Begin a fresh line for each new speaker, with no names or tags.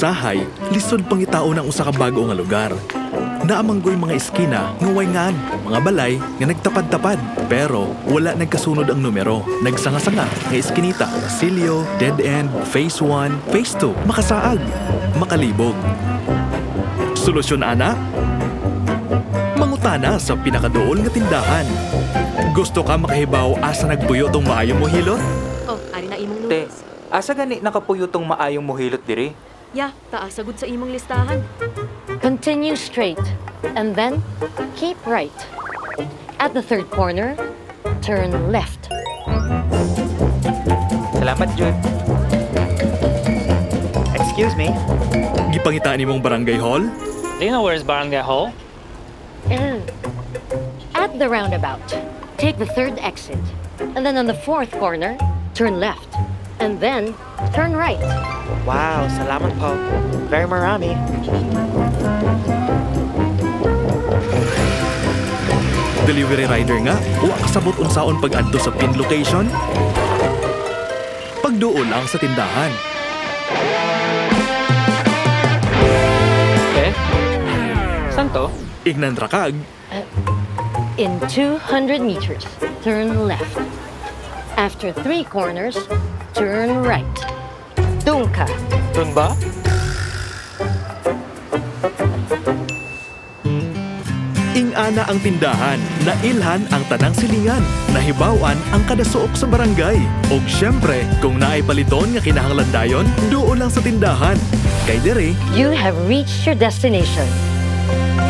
usahay, lisod pangitao ng usa ka bago nga lugar. Naamanggoy mga eskina nga wayngan, mga balay nga nagtapad-tapad. Pero wala nagkasunod ang numero. Nagsanga-sanga nga eskinita, Basilio, Dead End, Phase 1, Phase 2, makasaag, makalibog. Solusyon ana? Mangutana sa pinakadool nga tindahan. Gusto ka makahibaw asa nagpuyo tong maayong mohilot?
Oh, ari na imong
Te,
noodles.
asa gani nakapuyo tong maayong mohilot diri?
Ya, taas sagud sa imong listahan.
Continue straight, and then keep right. At the third corner, turn left.
Salamat, Jud.
Excuse me,
Gipangitaan nimong barangay hall?
do you know where's Barangay Hall?
At the roundabout, take the third exit, and then on the fourth corner, turn left, and then turn right.
Wow, salamat po. Very marami.
Delivery rider nga, wa kasabot unsaon pag-adto sa pin location? Pagduol lang sa tindahan.
Eh? Saan to?
Ignan ra kag,
In 200 meters, turn left. After 3 corners, turn right. Doon ka.
Doon ba?
ing-ana ang tindahan, nailhan ang tanang silingan, nahibawan ang kadasuok sa barangay. Og syempre, kung naay paliton nga kinahanglan dayon, duol lang sa tindahan. Kay dire,
You have reached your destination.